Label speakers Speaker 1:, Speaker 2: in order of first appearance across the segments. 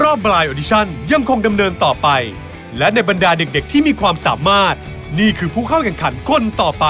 Speaker 1: อบ Blind Audition ยังคงดำเนินต่อไป และในบรรดาเด็กๆที่มีความสามารถนี่คือผู้เข้าแข่งขันคนต่อไป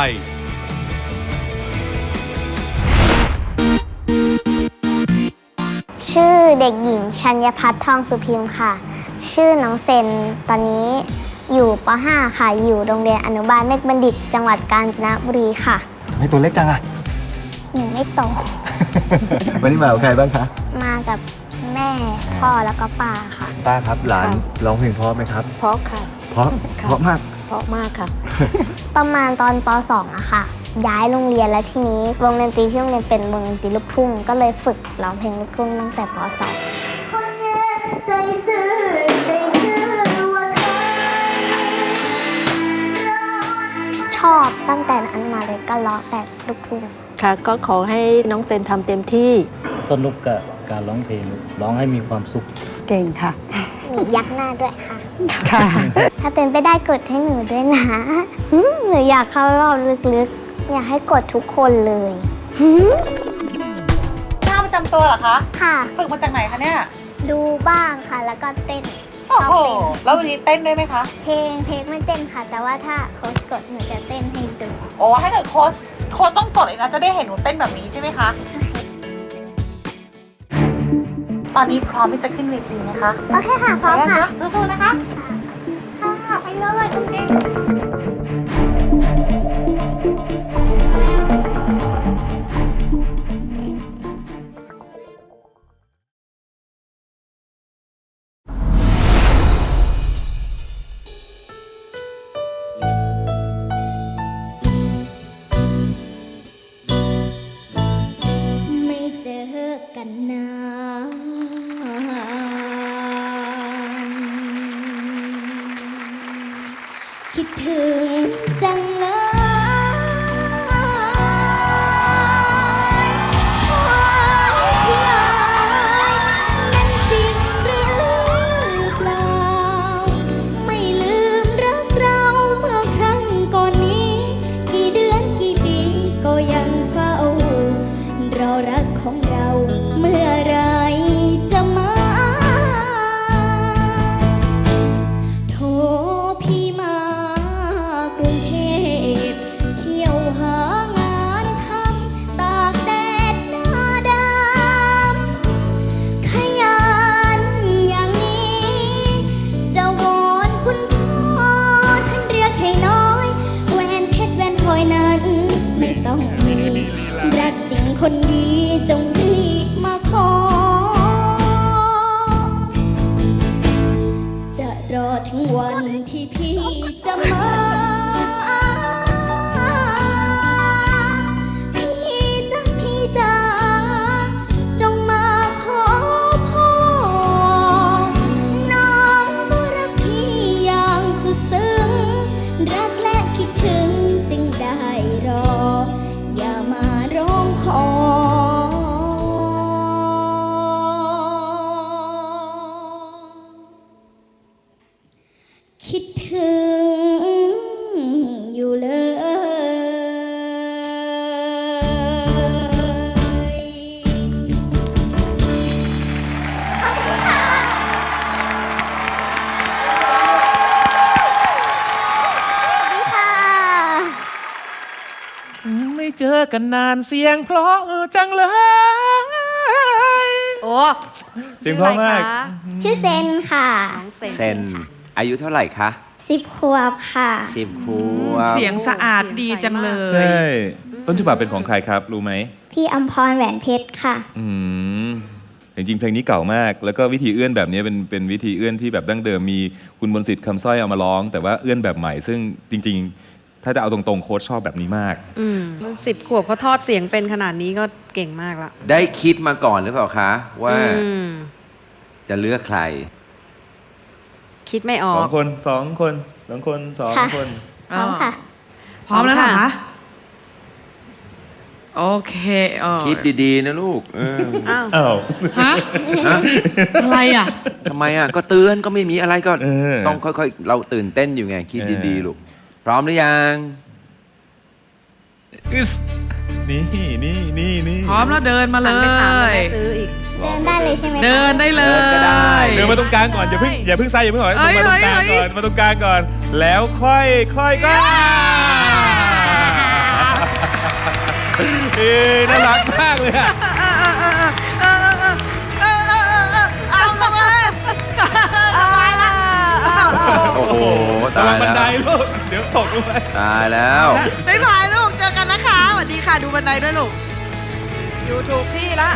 Speaker 2: ชื่อเด็กหญิงชัญญพัฒน์ทองสุพิมพ์ค่ะชื่อน้องเซนตอนนี้อยู่ป .5 ค่ะอยู่โรงเรียนอนุบาลเมฆบัณฑิตจังหวัดกาญจนบุรีค่ะ
Speaker 3: ทำไมตัวเล็กจังอะ
Speaker 2: หนูไม่โต
Speaker 3: วันนี้มากับใครบ้างคะ
Speaker 2: มากับแม่พ่อแล้วก็ป้าค่ะ
Speaker 3: ป้าครับหลานร้องเพลงเพราะไหมครับ
Speaker 4: เพราะค่ะ
Speaker 3: เพราะมาก
Speaker 4: เพราะมากค่ะ
Speaker 2: ประมาณตอนป .2 อะค่ะย้ายโรงเรียนแล้วทีนี้วงดนตรีที่โรงเรียนเป็นวงดนตรีลูกทุ่งก็เลยฝึกร้องเพลงลูกทุ่งตั้งแต่ป .2 ชอบตั้งแต่นั้นมาเลยก็ร้องแต่ลูกทุ่ง
Speaker 4: ค่ะก็ขอให้น้องเซนทำเต็มที่
Speaker 5: สนุกกับการร้องเพลงร้องให้มีความสุข
Speaker 4: เก่งค่ะ
Speaker 2: มียักหน้าด้วยค่ะ
Speaker 4: ค่ะ
Speaker 2: ถ้าเป็นไปได้กดให้หนูด้วยนะ หนูอยากเข้ารอบลึกๆ อยากให้กดทุกคนเลย
Speaker 6: ท่าประจำตัวเหรอคะ
Speaker 2: ค่ะ
Speaker 6: ฝึกมาจากไหนคะเนี่ย
Speaker 2: ดูบ้างค่ะ แล้วก็เต้น
Speaker 6: โอ้โห
Speaker 2: ชอบเต้น
Speaker 6: แล้ววันนี้เต้นด้วยไหมคะ
Speaker 2: เพลงไม่เต้นค่ะ แต่ว่าถ้าโค้ชกดหนูจะเต้นให้ดู
Speaker 6: โอ้ถ้าเกิดโค้ชต้องกดเลยนะจะได้เห็นหนูเต้นแบบนี้ใช่ไหมคะ ตอนนี้พร้อมที่จะขึ้นเวทีไหมคะ
Speaker 2: โอเคค่ะ พร้อมค่ะ
Speaker 6: สู้ๆนะคะ
Speaker 2: ค่ะไปเลยโอเค
Speaker 7: ไม่เจอกันนานคิดถึงจังเลยนั้นจริงหรือเปล่าไม่ลืมรักเราเมื่อครั้งก่อนนี้กี่เดือนกี่ปีก็ยังเฝ้ารอรักของเราเมื่อไรจะมา โทรพี่มากรุงเทพเที่ยวหางานทำตากแดดหน้าดำขยันอย่างนี้จะวอนคุณพ่อท่านเรียกให้น้อยแหวนเพชรแหวนพลอยนั้นไม่ต้องมีรักจริงคนดีจงรีบมาขอ จะรอถึงวันที่พี่จะมา พี่จ๋าจงมาขอพ่อน้องก็รักพี่อย่างสุดซึ้งรักและคิดถึงจึงได้รอ อย่ามาร้องขอ คิดถึงอยู่เลย
Speaker 2: ค่ะ
Speaker 8: ไม่เจอกันนานเสียงเพราะจังเลย
Speaker 9: โอ้
Speaker 8: เสียงเพราะมาก
Speaker 2: ชื่อเซนค่ะ
Speaker 9: น้องเซน
Speaker 10: เซนอายุเท่าไหร่คะ
Speaker 2: 10 ขวบค่ะ
Speaker 10: 10 ขวบ
Speaker 9: เสียงสะอาดดีจังเลย
Speaker 8: ใช่ต้นฉบับเป็นของใครครับรู้ไหม
Speaker 2: พี่อำพรแหวนเพชรค่ะ
Speaker 8: อืมจริงๆเพลงนี้เก่ามาก แล้วก็วิธีเอื้อนแบบนี้เป็นวิธีเอื้อนที่แบบดั้งเดิมมีคุณมนต์สิทธิ์คำสร้อยเอามาร้อง แต่ว่าเอื้อนแบบใหม่ ซึ่งจริงๆ ถ้าจะเอาตรงๆโค้ชชอบแบบนี้มาก
Speaker 9: 10 ขวบเขาทอดเสียงเป็นขนาดนี้ก็เก่งมากละ
Speaker 10: ได้คิดมาก่อนหรือเปล่าคะ ว่า
Speaker 9: อืม
Speaker 10: จะเลือกใคร
Speaker 9: คิดไม่ออ
Speaker 8: ส
Speaker 9: ก
Speaker 8: องคนสองคนสองคนสอง
Speaker 2: ค่ะ
Speaker 8: คน
Speaker 2: พร้อมค่ะ
Speaker 9: พร้อมแล้วเหรอคะ
Speaker 11: โอเคอ๋อ
Speaker 10: คิดดีๆนะลูก
Speaker 9: อ้าว
Speaker 8: อ้าว
Speaker 11: ฮะ
Speaker 10: ฮะ
Speaker 11: อะไรอ่ะ
Speaker 10: ทำไมอ่ะ ก็เตือนก็ไม่มีอะไรก็
Speaker 8: เออ
Speaker 10: ต้องค่อยๆ เราตื่นเต้นอยู่ไง คิดดีๆ ลูก พร้อมหรือยัง
Speaker 8: อึสนี่
Speaker 11: พร้อมแล้วเดินมาเล
Speaker 9: หันไปถามแล้ว
Speaker 11: ย
Speaker 9: แม่ซื้ออีก
Speaker 2: เดินได้เลยใช่ไหมคะ
Speaker 11: เดินได้เลย
Speaker 10: ก็ได้
Speaker 8: เดินมาตรงกลางก่อนอย่าเพิ่งใส่อย่าเพิ่งถอย
Speaker 11: เอ้ย
Speaker 8: มาตรงกลาง
Speaker 11: เอ้ย
Speaker 8: ก่อนมาตรงกลางก่อน แล้วค่อยก็น่ารักมากเลยอะ
Speaker 11: เอาละมาสบายละ
Speaker 10: โอ้โห
Speaker 8: ระ
Speaker 10: ตา
Speaker 8: วั
Speaker 10: ย
Speaker 8: งบัน
Speaker 10: แล้
Speaker 8: ได
Speaker 10: ว
Speaker 8: ลูกเดี๋ยวตกลงไป
Speaker 10: ตายแล้ว
Speaker 11: บ๊ายบายลูกเจอกันนะคะสวัสดีค่ะดูบันไดด้วยลูก
Speaker 9: อยู่ถูกที่ละ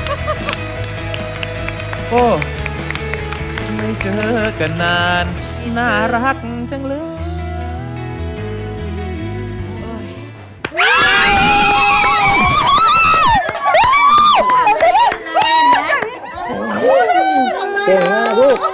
Speaker 8: โอ้ไม่เจอกันนานน่ารักจังเลย
Speaker 3: เก่งมากลูก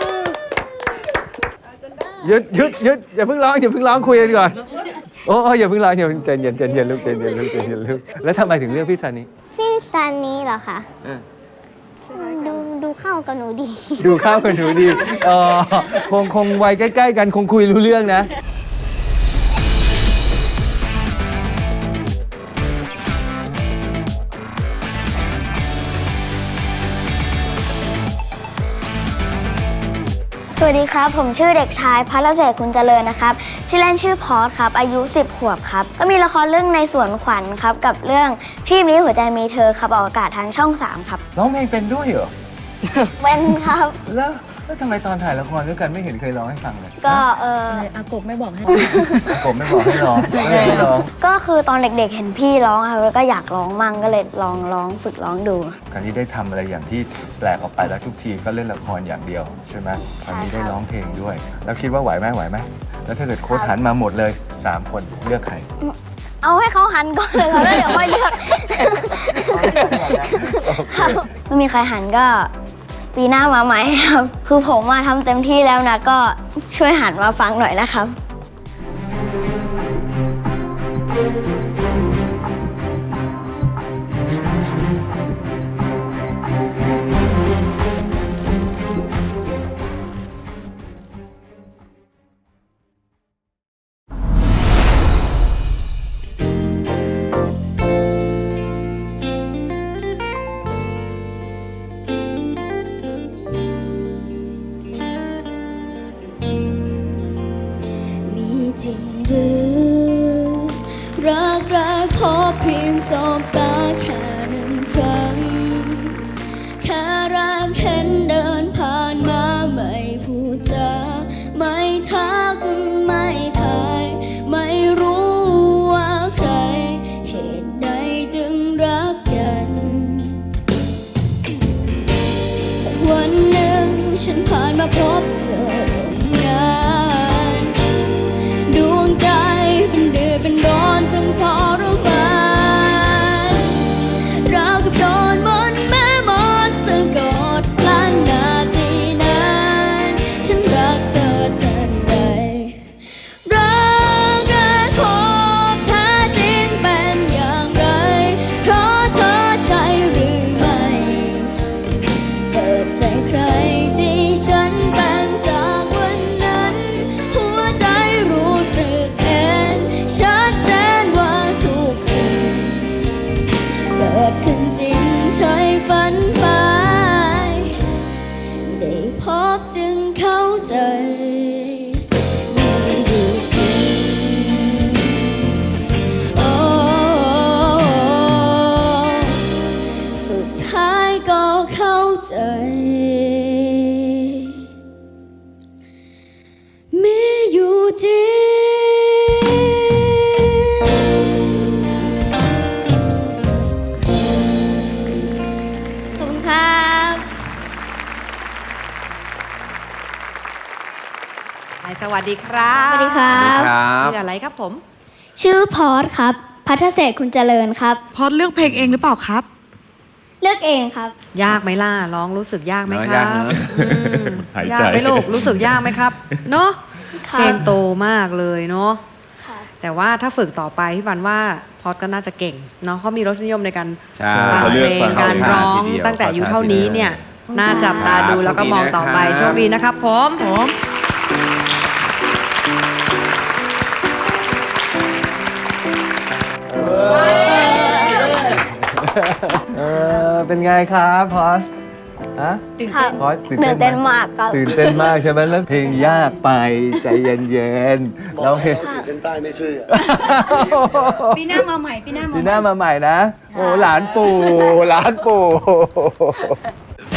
Speaker 3: หยุดอย่าเพิ่งร้องคุยกันก่อนโอ้อย่าเพิ่งร้องอย่าเพิ่งใจเย็นลูกใจเย็นลูกแล้วทำไมถึงเลือกพี่ซานิ
Speaker 2: พี่ซันนี้เหรอคะดูเข้ากับหนูดี
Speaker 3: ดูข้าวกันหนูดีคงวัยใกล้ๆกันคงคุยรู้เรื่องนะ
Speaker 2: สวัสดีครับ ผมชื่อเด็กชายพัทรเศรษฐ์คุณเจริญนะครับชื่อเล่นชื่อพอสครับอายุ10 ขวบครับก็มีละครเรื่องในสวนขวัญครับกับเรื่องพี่นี้หัวใจมีเธอครับออกอากาศทางช่อง 3 ครับ
Speaker 3: ร้องเพลงเป็นด้วยเหรอ
Speaker 2: เป็นครับ
Speaker 3: แล้วทำไมตอนถ่ายละครด้วยกันไม่เห็นเคยร้องให้ฟังเลย
Speaker 2: ก็
Speaker 3: อากบไม่บอกให้ร้องไม่ให้ร้อง
Speaker 2: ก็คือตอนเด็กๆเห็นพี่ร้องครับแล้วก็อยากร้องมั่งก็เลยลองฝึกร้องดู
Speaker 3: คราวนี้ได้ทำอะไรอย่างที่แปลกออกไปแล้วทุกทีก็เล่นละครอย่างเดียวใช่ไหมคราวนี้ได้ร้องเพลงด้วย แล้วคิดว่าไหวไหมแล้วถ้าเกิดโค้ชหันมาหมดเลย3 คนเลือกใคร
Speaker 2: เอาให้เขาหันก่อนเลยครับแล้วเดี๋ยวค่อยเลือกไม่มีใครหันก็ปีหน้ามาใหม่ครับคือผมมาทำเต็มที่แล้วนะก็ช่วยหันมาฟังหน่อยนะครับ
Speaker 7: มีจริงหรือรักขอเพียงสบตาแค่1 ครั้งแค่รักเห็นเดินผ่านมาไม่พูดจาไม่ทักไม่ทายไม่รู้ว่าใครเหตุใดจึงรักกันวันหนึ่งฉันผ่านมาพบเธอตรงนั้นดวงใจเป็นเดือดเป็นร้อนจนทรมานราวกับโดนมนต์แม่มดสะกดกลั้นนาทีนั้นฉันรักเธอทันใดรักขอบแท้จริงเป็นอย่างไรเพราะเธอใช่หรือไม่เปิดใจใครที่ฉันเป็นจากวันนั้นหัวใจรู้สึกเองชัดเจนว่าทุกสิ่งเกิดขึ้นจริงใช่ฝันไปได้พบจึงเข้าใจมีอยู่จริงโอ้สุดท้ายก็เข้าใจมีอยู่จริง ขอบคุณครับ
Speaker 9: สวัสดีครับ
Speaker 2: สวัสดีครับ
Speaker 9: ชื่ออะไรครับผม
Speaker 2: ชื่อพอสครับพัทรเศรษฐ์คุณเจริญครับ
Speaker 11: พอดเลือกเพลงเองหรือเปล่าครับ
Speaker 2: เลือกเองครับ
Speaker 9: ยากไหมล่ะร้องรู้สึกยากไหมค
Speaker 10: ยา
Speaker 9: รั
Speaker 10: ก
Speaker 9: บ
Speaker 10: นะ
Speaker 8: หาย
Speaker 9: ยา
Speaker 8: ใจ
Speaker 9: กไหมลูกรู้สึกยากไหมครับเนาะ
Speaker 2: ครับ
Speaker 9: เพลงโตมากเลยเนาะ
Speaker 2: ค่ะ
Speaker 9: แต่ว่าถ้าฝึกต่อไปพี่บันว่าพอดก็น่าจะเก่งเนาะเพราะมีรสนิยมในการ
Speaker 10: ใช่
Speaker 9: ฟัง
Speaker 8: เขาเลื
Speaker 9: เพ
Speaker 8: อก
Speaker 9: ลง
Speaker 8: ฟัง
Speaker 9: การร้อง
Speaker 10: ทีเดียว
Speaker 9: ตั้งแต่อายุเท่านี้เนี่ย
Speaker 10: ขอ
Speaker 9: น่าจับตาดูแล้วก็มองต่อไปโชคดีนะครับผม
Speaker 3: เป็นไงครับพอสฮะ
Speaker 2: ครับ
Speaker 3: พอส
Speaker 2: ตื่นเต้นมากครับ
Speaker 3: ตื่นเต้นมากใช่ไหมแล้วเพลงยากไปใจเย็นๆแล้วเพลง
Speaker 12: เส้นใต้ไม่ช่วย
Speaker 11: ปีหน้ามาใหม่ปีหน้ามา
Speaker 3: ปีหน้ามาใหม่นะ โอ้หลานปู่หลานปู่